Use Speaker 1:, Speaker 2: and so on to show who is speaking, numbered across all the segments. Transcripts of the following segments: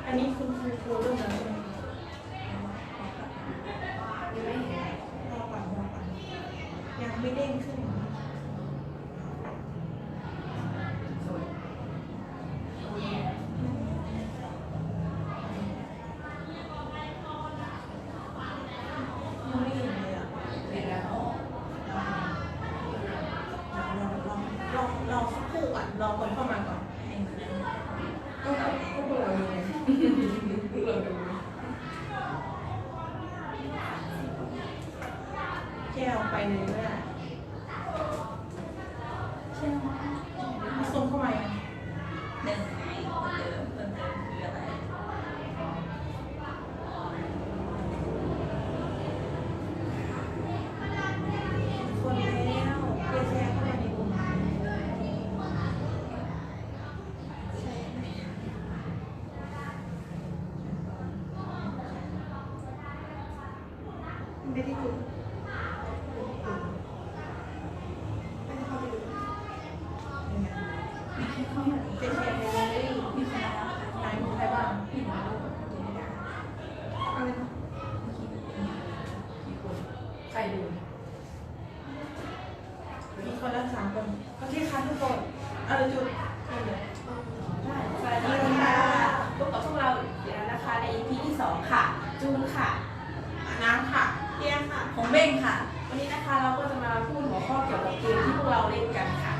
Speaker 1: อันนี้คุณครูเริ่มแล้วใช่ไหมยังไม่เห็นรอก่อนยังไม่เด้งขึ้นยังไม่เห็นเลยอ่ะเห็นแล้วลองสักครู่ก่อนรอคนเข้ามาก่อนก็พวกเราดูพวกเราดูแก้วไปเลยก็ได้ใช่ไหมส่งเข้ามา
Speaker 2: หนึ่งไงเพิ่มเติมคืออะไร
Speaker 1: คนแล้วเพื่อแชร์เข้ามาในกลุ่มไม่ได้ดูไม่ได้เข้าไปดูยังไง
Speaker 2: มีแค่เข้ามา
Speaker 1: เจ๊แชร์ไปเลย
Speaker 2: มีใครนะ
Speaker 1: ไหนมีใครบ้าง
Speaker 2: พี่หมอลูกเจมิดา
Speaker 1: อะไรนะ
Speaker 2: กี่คนใครดู
Speaker 1: มีคนละ3 คนโอเคค่ะทุกคนอะไรจุดได้
Speaker 3: สวัสดีค่ะพบกับพวกเราอีกแล้วนะคะใน EP ที่ 2 ค่ะ จูนค่ะ
Speaker 1: น้ำค่ะเตี้ยค่ะ
Speaker 2: ผมเบ้งค่ะ
Speaker 3: วันนี้นะคะเราก็จะมาพูดหัวข้อเกี่ยวกับเกมที่พวกเราเล่นกันค่ะ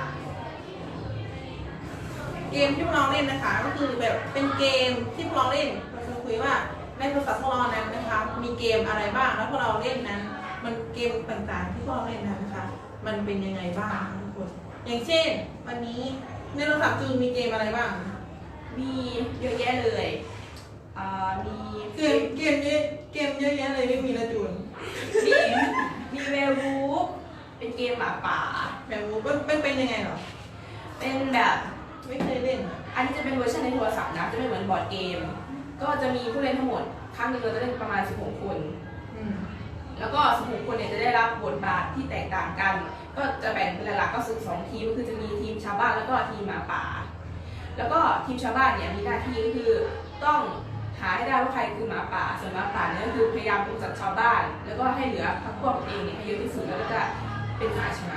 Speaker 1: เกมที่พวกเราเล่นนะคะ ก็คือแบบเป็นเกมที่พวกเราเล่นเราจะคุยว่าในโทรศัพท์พวกเรานั้นนะคะมีเกมอะไรบ้างแล้วพวกเราเล่นนั้น มันเกมต่างๆที่พวกเราเล่นนั้นนะคะ มันเป็นยังไงบ้างทุกคนอย่างเช่นวันนี้ในโทรศัพท์จูนมีเกมอะไรบ้าง
Speaker 3: มีเยอะแยะเลยมี
Speaker 1: เกมเยอะแยะเลยไม่มีละจูน
Speaker 3: มีมีเวลวูฟเป็นเกมหมาป่า
Speaker 1: แบบเป็นยังไงเหรอ
Speaker 3: เป็นแบบ
Speaker 1: ไม่เคยเล่นอ่ะ
Speaker 3: อันนี้จะเป็นเวอร์ชันในโทรศัพท์นะ จะไม่เหมือนบอร์ดเกม ก็จะมีผู้เล่นทั้งหมด ครั้งหนึ่งเราจะเล่นประมาณ 16 คน
Speaker 1: อืม
Speaker 3: แล้วก็16 คนเนี่ยจะได้รับบทบาทที่แตกต่างกัน ก็จะแบ่งเป็นหลักๆก็คือ2 ทีมก็คือจะมีทีมชาวบ้านแล้วก็ทีมหมาป่า แล้วก็ทีมชาวบ้านเนี่ยมีหน้าที่ก็คือต้องหาให้ได้ว่าใครคือหมาป่า ส่วนหมาป่าเนี่ยก็คือพยายามกำจัดชาวบ้าน แล้วก็ให้เหลือพรรคพวกตัวเองเนี่ยให้เยอะที่สุดแล้วก็จะเป็นฝ่ายชนะ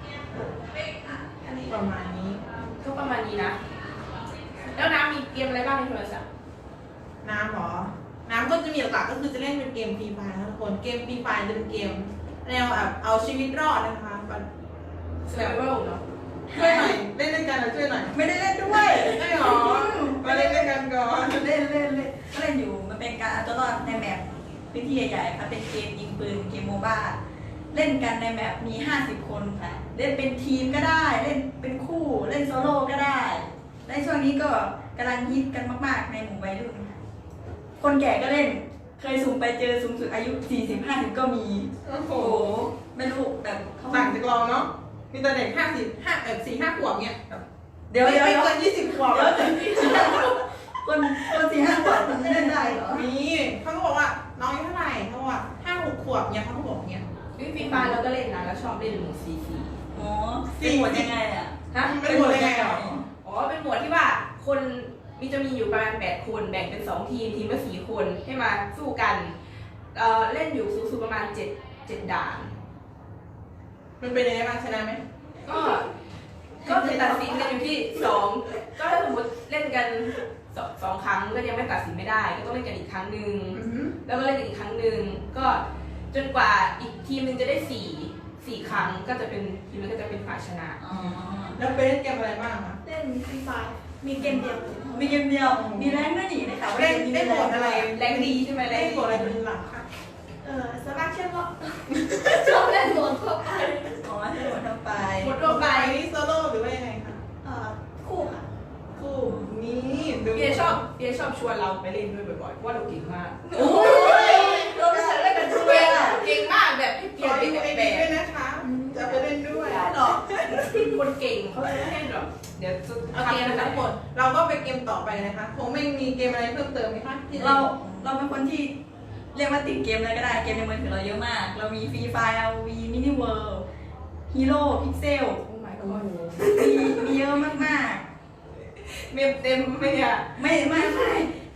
Speaker 1: ประมาณนี้
Speaker 3: ก็ประมาณนี้นะ แล้วน้ำมีเกมอะไรบ้างในโทรศัพท์
Speaker 1: น้ำเหรอ น้ำก็จะมีหลักๆก็คือจะเล่นเป็นเกมฟรีไฟร์นะทุกคน เกมฟรีไฟร์จะเป็นเกมแนวแบบเอาชีวิตรอดนะคะแบบ
Speaker 3: Survival เนาะ
Speaker 1: ช่วยหน่อย เล่นด้วยกันนะช่วยหน่อย
Speaker 2: ไม่ได้เล่นด้วย
Speaker 1: ได้หรอ มาเล่นด้วยกันก่อน
Speaker 2: เล่นก็เล่นอยู่มันเป็นการเอาตัวรอดในแมปพื้นที่ใหญ่ๆค่ะเป็นเกมยิงปืนเกมโมบ้าเล่นกันในแมปมี50 คนค่ะเล่นเป็นทีมก็ได้เล่นเป็นคู่เล่นโซโล่ก็ได้และช่วงนี้ก็กำลังฮิตกันมากๆในหมู่วัยรุ่นค่ะคนแก่ก็เล่นเคยสุ่มไปเจอสูงสุดอายุ40-50ก็มี
Speaker 1: โอ้โห
Speaker 2: โอ้ไม่รู้แบบเขา
Speaker 1: ต่างจากเราเนาะ มีแต่เด็ก4-5 ขวบเนี้ยแบบ
Speaker 2: เดี๋ยว
Speaker 1: ไม่เกิน20 ขวบ
Speaker 2: เดี๋ยวคน4-5 ขวบมันเล่นได้เหรอ
Speaker 1: มีเขาก็บอกว่าน้องอายุเท่าไหร่เขาบอกว่า5-6 ขวบเนี้ยเขาก็บอกเนี้ย
Speaker 3: วิฟีฟาเราก็เล่นนะแล้วชอบเล่นหมู่CC
Speaker 2: อ๋อเป็นหมวดยังไงอ่ะ
Speaker 3: ฮะ
Speaker 1: เป็นหมดยังไงหรอ
Speaker 3: อ๋อ เป็นหมวดที่ว่าคนจะมีอยู่ประมาณ8 คนแบ่งเป็น2 ทีมทีมละ4 คนให้มาสู้กันเล่นอยู่สูงสุดประมาณ7ด่าน
Speaker 1: มันเป็นยังไงบ้างชนะไหม
Speaker 3: ก็จะตัดสินกันอยู่ที่2ก็ถ้าสมมติเล่นกัน2 ครั้งก็ยังไม่ตัดสินไม่ได้ ก็ต้องเล่นกันอีกครั้งหนึ่งแล้วก็เล่นกันอีกครั้งหนึ่งก็จนกว่าอีกทีมหนึ่งจะได้4 ครั้งก็จะเป็นทีมนั้นก็จะเป็นฝ่ายชนะ
Speaker 2: อ๋อ
Speaker 1: แล้วไปเล่นเกมอะไรบ้างคะ
Speaker 4: เล่นฟรีไฟร์มีเกมเดียว
Speaker 2: มีเกมเดียว มีแรงด้วยนี่นะคะว่า
Speaker 1: เล่น
Speaker 2: กมนี้
Speaker 1: ได้โหมดอะไร
Speaker 3: แรงดีใช่ไหมแร
Speaker 1: ได้
Speaker 3: ง
Speaker 1: โหมดอะไรเป็นหลักคะ
Speaker 4: สมัครเชื่อว่า ชอบเล่นโหมดทั่วไป
Speaker 2: อ๋อให้หมดทั้งไป
Speaker 1: โหมดทั่วไปนี่โซโล่หรือว่ายังไงคะ
Speaker 4: คู่ค่ะ
Speaker 1: คู่นี่ดู
Speaker 3: เปียชอบชวนเราไปเล่นด้วยบ่อยๆเพราะว่าเราเก่งมาก
Speaker 1: โอ้ย
Speaker 2: เราไม่ใช่เล่นกันด้วยอ่ะ
Speaker 3: เก่งมากแบบให้
Speaker 1: ข
Speaker 3: เกีย
Speaker 1: อ
Speaker 3: รติ
Speaker 1: ดู
Speaker 3: เป็น
Speaker 1: ไอ
Speaker 3: แบ
Speaker 1: ดีด้วย
Speaker 3: บ
Speaker 1: นะคะจะไปเล่นด้วย
Speaker 2: หรอ
Speaker 3: คนเก่งเขาจะให้แบบเดี๋ยวจะ
Speaker 1: โอเคนะทั้งหมดเราก็ไปเกมต่อไปนะคะคงไม่มีเกมอะไรเพิ่มเติมไหมคะที่
Speaker 2: เราเป็นคนที่เรียกว่าติดเกมอะไรก็ได้ เกมในมือถือเราเยอะมาก เรามีฟรีไฟล์เรามีมินิเวิลด์ฮีโร่พิกเซล
Speaker 3: โอ้ my god
Speaker 2: มีเยอะมาก
Speaker 3: เมมเต็มไหมเนี่ย
Speaker 2: ๆ ไม่คือ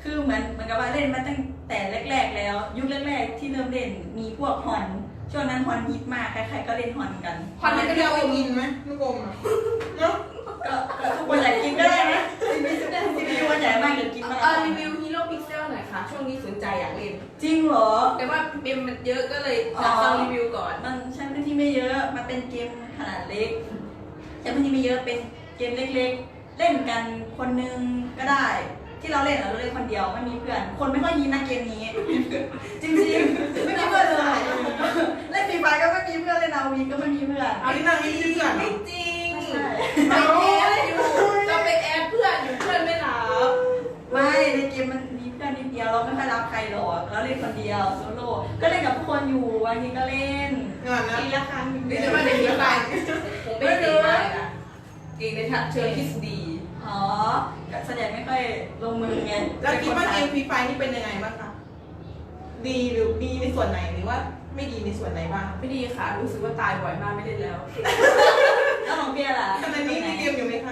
Speaker 2: คือเหมือนกับว่าเล่นมาตั้งแต่แรกๆแล้ว ยุคแรกๆที่เริ่มเล่นมีพวกฮอนช่วงนั้นฮอนฮิตมากใครๆก็เล่นฮอนกัน
Speaker 1: คอนมันก็เรียกว่ากินไหมลูกอมอะเนาะ
Speaker 2: ก็ทุกคนอยากกินก็ได้นะซีพียูวันใหญ่มากอยากกินมาก
Speaker 3: รีวิวฮีโร่พิกเซลหน่อยค่ะ ช่วงนี้สนใจอยากเล่น
Speaker 2: จริงเหรอ
Speaker 3: แต่ว่าเกมมันเยอะก็เลยอยากฟังรีวิวก่อน
Speaker 2: มันใช้พื้นที่ไม่เยอะ มันเป็นเกมขนาดเล็กใช้พื้นที่ไม่เยอะ เป็นเกมเล็กๆ เล่นกันคนนึงก็ได้ ที่เราเล่นเราเล่นคนเดียวไม่มีเพื่อน คนไม่ค่อยยินนะเกมนี้ จริงๆ ไม่มีเพื่อนเลย เล่นฟรีไฟก็ไม่มีเพื่อน เล่นอาวีก็ไม่มีเพื่อน
Speaker 1: เอาที่นั่งนี่เพื่อน
Speaker 3: ไม่จริง
Speaker 2: ใช่
Speaker 3: ไปแอดอยู่เราไปแอดเพื่อนอยู่เพื่อนไม่รับ
Speaker 2: ไม่ในเกมมันมีเพื่อนนิดเดียวเราไม่ค่อยรับใครหรอกเราเล่นคนเดียวโซโล่ก็เล่นกับทุกคนอยู่วันนี้ก็เล่น
Speaker 1: งานนะ
Speaker 4: ปีละครั้ง
Speaker 3: หรือจะมาในฮีโร่ผมไม่เก่งมากนะเก่งในเชิงทฤษฎี
Speaker 2: อ๋อส่วนใหญ่ไม่ค่อยลงมือไง
Speaker 1: แล้วคิดว่าเกมฟรีไฟนี่เป็นยังไงบ้างคะดีหรือดีในส่วนไหนหรือว่าไม่ดีในส่วนไหนบ้าง
Speaker 3: ไม่ดีค่ะ รู้สึกว่าตายบ่อยมากไม่เล่นแล้ว
Speaker 2: แล้วของเบียร์ล่ะ
Speaker 1: ขณะนี้มีเกมอยู่ไหมคะ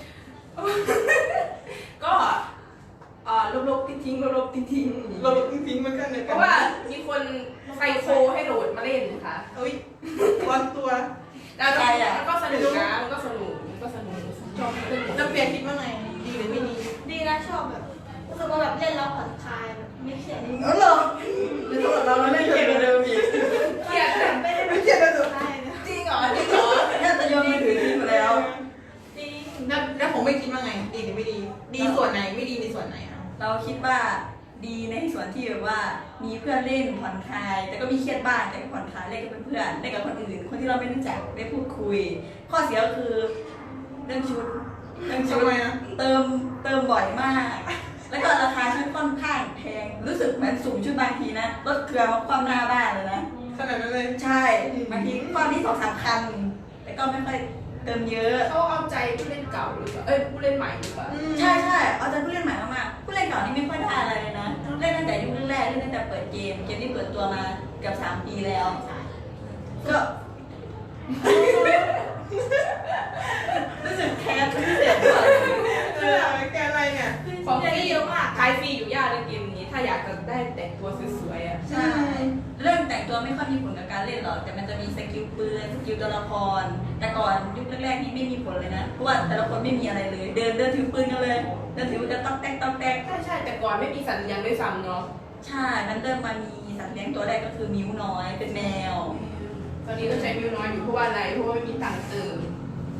Speaker 3: ก็ลบๆทิ้งๆลบๆทิ้งๆ
Speaker 1: เราทิ้งๆมันกันเลย
Speaker 3: เพราะว่ามีคนไซโคให้โหลดมาเล่นค่ะ
Speaker 1: เอ้ยร้อนตัว
Speaker 3: แล้วมันก็สนุกนะมันก็สนุกชอบเล่น
Speaker 1: แล้วเปียคิดว่าไงดีหรือไม่ดี
Speaker 4: ดีนะชอบแบบรู้สึกว่าแบบเล่นแล้วผ่อนคลายแบบไม่เครียด
Speaker 2: เออเหรอหรือเราเล่นเกมเดิมอีก
Speaker 3: เครียดแต่
Speaker 4: ไม่ได้
Speaker 1: ไม่เครียดเลยสุด
Speaker 4: ใช่นะ
Speaker 3: จริงเหรอจริงเหรอ
Speaker 2: น่าจะโยนมือถือทิ้งไปแล้ว
Speaker 4: จริง
Speaker 1: แล้วผมไม่คิดว่าไง ดีหรือไม่ดี ดีส่วนไหนไม่ดีในส่วนไหนอ่ะ
Speaker 2: เราคิดว่าดีในส่วนที่แบบว่ามีเพื่อนเล่นผ่อนคลาย แต่ก็มีเครียดบ้างแต่ก็ผ่อนคลายเล่นกับเพื่อนๆเล่นกับคนอื่น คนที่เราไม่รู้จักได้พูดคุย ข้อเสียก็คือเรื่องชุด
Speaker 1: ทำไมอ่ะ
Speaker 2: เติมบ่อยมาก แล้วก็ราคาชุดค่อนข้างแพง รู้สึกเหมือนสุ่มชุดบางทีนะลดเกลือมาความหน้าบ้านเลยนะ
Speaker 1: ขนาดนั้นเลย
Speaker 2: ใช่บางทีก้อนที่2-3 คันแต่ก็ไม่ค่อยเติมเยอะ
Speaker 3: เขาเอาใจผู้เล่นเก่าหรือเปล่าผู้เล่นใหม่หรือเปล่า
Speaker 2: ใช่เอาใจผู้เล่นใหม่มากๆผู้เล่นเก่านี่ไม่ค่อยได้อะไรเลยนะ เล่นตั้งแต่ยุคแรกๆเล่นตั้งแต่เปิดเกมที่เปิดตัวมาเกือบ3 ปีแล้ว ก็ รู้สึกแคสพิเศษกว่า
Speaker 1: แกอะไรเนี่ย
Speaker 3: ของฟรีเยอะมากขายฟรีอยู่ยากในเกมนี้ ถ้าอยากจะได้แต่งตัวสวยๆอ่ะ
Speaker 2: ใช่เรื่องแต่งตัวไม่ค่อยมีผลกับการเล่นหรอกแต่มันจะมีสกิลปืนสกิลตัวละครแต่ก่อนยุคแรกๆนี่ไม่มีผลเลยนะเพราะว่าแต่ละคนไม่มีอะไรเลย เดินถือปืนกันเลยเดินถือปืนกันต๊อกแต๊ก
Speaker 3: ใช่แต่ก่อนไม่มีสัญญาณด้วยซ้ำเนาะ
Speaker 2: ใช่มันเริ่มมามีสัตว์เลี้ยงตัวแรกก็คือมิ้วน้อยเป็นแมว
Speaker 3: ตอนนี้ก็ใช้มิวน้อยอยู่เพราะว่าอะไรเพราะว่าไม่มีตังค์เติม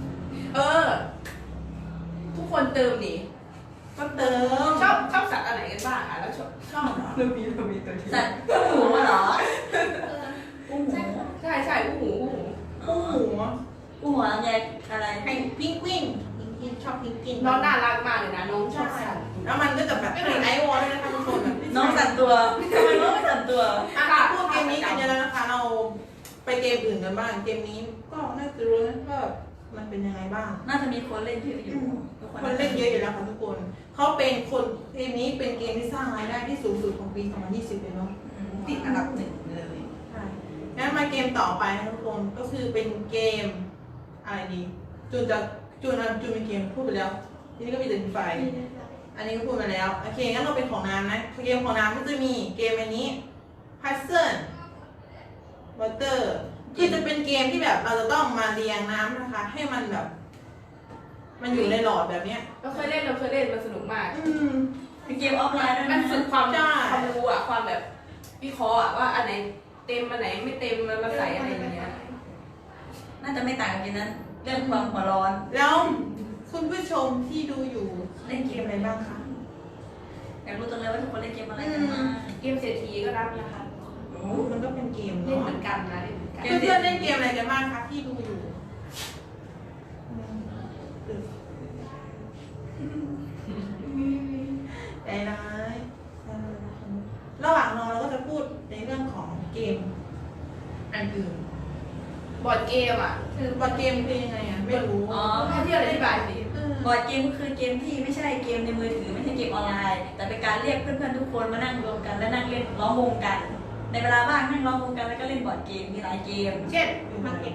Speaker 3: ทุกคนเติมนี่
Speaker 1: ก็เติม
Speaker 3: ชอบสัตว์อะไรกันบ้างอ่ะแล้วชอบเหรอเรามีตัวนี้
Speaker 2: สัตว์คู่หูเหรอคู่หู
Speaker 3: ใช่อู้หู
Speaker 1: คู่หู
Speaker 2: คู่หัวแยกอะไร
Speaker 1: ให้พิงกวินชอบพิงกิน
Speaker 3: น้องน่ารักมากเลยนะน้องชอบสัตว์
Speaker 1: แล้วมันก็จะแบบเป็นไอวอลด้วยนะคะทุกคนแบบ
Speaker 2: น้องสัตว์ตัวทำไมน้องไม่สัตว์ตัว
Speaker 1: พูดเกมนี้กันเยอะแล้วนะคะ เราไปเกมอื่นกันบ้าง เกมนี้ก็น่าจะรู้นะว่ามันเป็นยังไงบ้าง
Speaker 2: น่าจะมีคนเล่นเยอะอยู่ทุก
Speaker 1: คนเล่นเยอะอยู่แล้วค่ะทุกคน เขาเป็นคนเกมนี้เป็นเกมที่สร้างรายได้ที่สูงสุดของปี 2020 เลยเนาะ
Speaker 2: ติดอันดับ1เลย
Speaker 1: ใช่งั้นมาเกมต่อไปนะทุกคน ก็คือเป็นเกมอะไรดี จูนเป็นเกมพูดไปแล้ว ทีนี้ก็มีแต่ไฟ อันนี้ก็พูดมาแล้ว โอเค งั้นเราเป็นของน้ำนะ เกมของน้ำก็จะมีเกมอันนี้ Puzzle Water คือจะเป็นเกมที่แบบเราจะต้องมาเรียงน้ำนะคะ ให้มันแบบ มันอยู่ในหลอดแบบเนี้ย
Speaker 3: เราเคยเล่นมันสนุกมาก
Speaker 2: เป็นเกมออฟไลน์ด้วย
Speaker 3: มั
Speaker 2: นะ
Speaker 3: นฝึกความรู้อ่ะความแบบวิเคราะห์อ่ะว่าอันไหนเต็มอันไหนไม่เต็มมันมาใส่อะไรอย่างเงี้ย
Speaker 2: น่าจะไม่ต่างกันกินนั้นเรื่องความหัวร้อน
Speaker 1: แล้วคุณผู้ชมที่ดูอยู่เล่นเกมอะไรบ้างคะ
Speaker 2: อยากรู้จังเลยว่าทุกคนเล่นเกมอะไรกันบ้าง
Speaker 3: เกมเศรษฐีก็รับนะคะ
Speaker 1: มันก็เป็นเกม
Speaker 3: เล่น
Speaker 1: เนาะ
Speaker 3: เหมือนกันนะเล่นเหมือนกัน
Speaker 1: เพื่อนๆเล่นเกมอะไรกันบ้างคะที่ดูอยู่ใจร้ายระหว่างรอเราก็จะพูดในเรื่องของเกมอันอื่น
Speaker 3: บอร์ดเกมอ่ะ
Speaker 1: คือบอร์ดเกมคือยังไงอ่ะไม่รู้
Speaker 2: อ๋อ
Speaker 3: ให้ที่อธิบายสิ
Speaker 2: บอร์ดเกมก็คือเกมที่ไม่ใช่เกมในมือถือไม่ใช่เกมออนไลน์ แต่เป็นการเรียกเพื่อนๆทุกคนมานั่งรวมกันและนั่งเล่นล้อมวงกัน ในเวลาว่างนั่งล้อมวงกันแล้วก็เล่นบอร์ดเกมมีหลายเกม
Speaker 3: เช่น
Speaker 1: มาเก็ต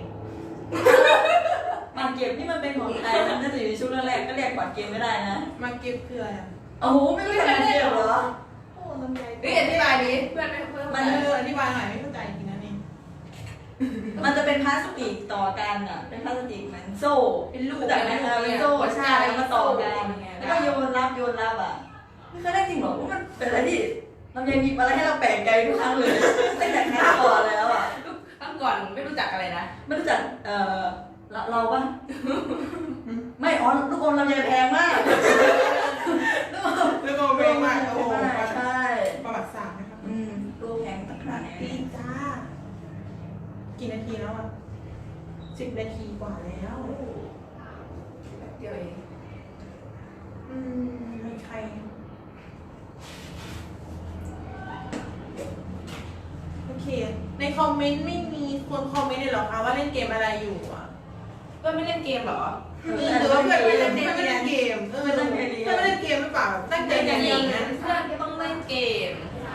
Speaker 2: บางเกมที่มันเป็นของไทยมันน่าจะอยู่ในช่วงแรกๆก็เรียกบอร์ดเกมไม่ได้นะ
Speaker 1: มาเก็ตคืออะไรอ่ะ
Speaker 2: โอ้โหไม่รู้จักเดียวเหรอ
Speaker 4: โอ้ลำไย
Speaker 3: เฮ้ยอธิบายดิเพื่อนไม่เพื่อน
Speaker 2: มัน
Speaker 1: อธิบายหน่อยไม่เข้าใจจริงนะนี่
Speaker 2: มันจะเป็นพลาสติกต่อกันอ่ะเป็นพลาสติกเหมือนโซ่
Speaker 3: เป็นลูก
Speaker 2: รู้จักไหมเป็นโซ่ใช่แล้วมาต่อกันแล้วก็โยนรับอ่ะไม่เคยได้จริงหรอว่ามันเป็นอะไรที่ลำไยมีอะไรให้เราแปลกใจทุกครั้งเลยตั้งแต่ครั้งก่อนแล้วอ่ะ
Speaker 3: ครั้งก่อนไม่รู้จักอะไรนะ
Speaker 2: ไม่รู้จักเราปะไม่อ๋อลูกอมลำไยแพงมากลูกอม
Speaker 1: แล้วก็เวงมากโอ้โห
Speaker 2: ใช่
Speaker 1: ประวัติศาสตร์นะครับ
Speaker 2: ลูกแพงต่างๆ
Speaker 1: ดี
Speaker 2: เนี่ย
Speaker 1: จ้ากี่นาทีแล้วอ่ะ10 นาทีกว่าแล้ว
Speaker 3: เดียวเอง
Speaker 1: มีใครโอเค ในคอมเมนต์ไม่มีคนคอมเมนต์เลยเหรอคะว่าเล่นเกมอะไรอยู่อ่ะ
Speaker 3: เพื่อนไม่เล่นเกมเหรอ
Speaker 1: หรือว่าเพื่อนไม่เล่นเกมเพื่อนไม่เล่นเกมหรือเปล่าตั้งใจอย่างนี้นะ
Speaker 3: เพื่อนต้องเล่นเกม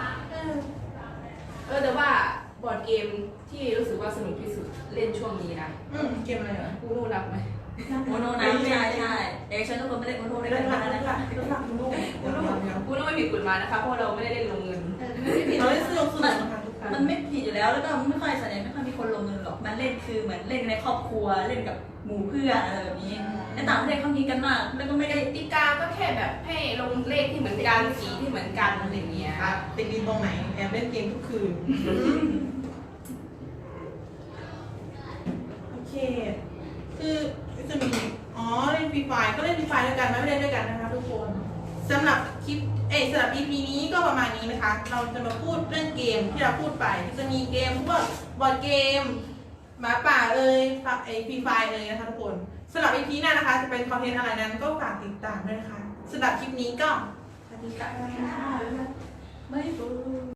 Speaker 3: แต่ว่าบอร์ดเกมที่รู้สึกว่าสนุกที่สุดเล่นช่วงนี้นะ
Speaker 1: เกมอะไรเหรอ
Speaker 3: กูรู้นับไหม
Speaker 2: โมโนนะใช่เด็กฉันทุกคนไม่ได้โมโนได้
Speaker 1: เล่นหลัก
Speaker 2: นะ
Speaker 1: เล่นหลั
Speaker 2: คะ
Speaker 1: กเล่นหลักลูก
Speaker 3: กูรู้ไม่ผิดกฎหมายนะคะเพราะเราไม่ได้เล่นลงเงิน
Speaker 1: เราเล่นสนุกนะคะทุกคน
Speaker 2: มันไม่ผิดอยู่แล้วแล้วก็ไม่ค่อยส่วนใหญ่ไม่ค่อยมีคนลงเงินหรอกมันเล่นคือเหมือนเล่นในครอบครัวเล่นกับหมู่เพื่อนอะไรแบบนี้ในต่างประเทศเขามีกันมากแล้วก็ไม่ได้
Speaker 3: กติกาก็แค่แบบให้ลงเลขที่เหมือนกันสีที่เหมือนกันอะไรอย่างเงี้ย
Speaker 1: ติดดินตรงไหนแอบเล่นเกมทุกคืนโอเคคือจะมีเล่นฟรีไฟก็เล่นฟรีไฟด้วยกันไม่เล่นด้วยกันนะคะทุกคนสำหรับคลิปสำหรับ EP นี้ก็ประมาณนี้นะคะ เราจะมาพูดเรื่องเกมที่เราพูดไปจะมีเกมพวกบอร์ดเกมหมาป่าฟรีไฟนะคะทุกคนสำหรับ EP หน้านะคะจะเป็นคอนเทนต์อะไรนั้นก็ฝากติดตามด้วยนะคะสำหรับคลิปนี้ก็สวัสดีค่ะ
Speaker 2: ไม่รู้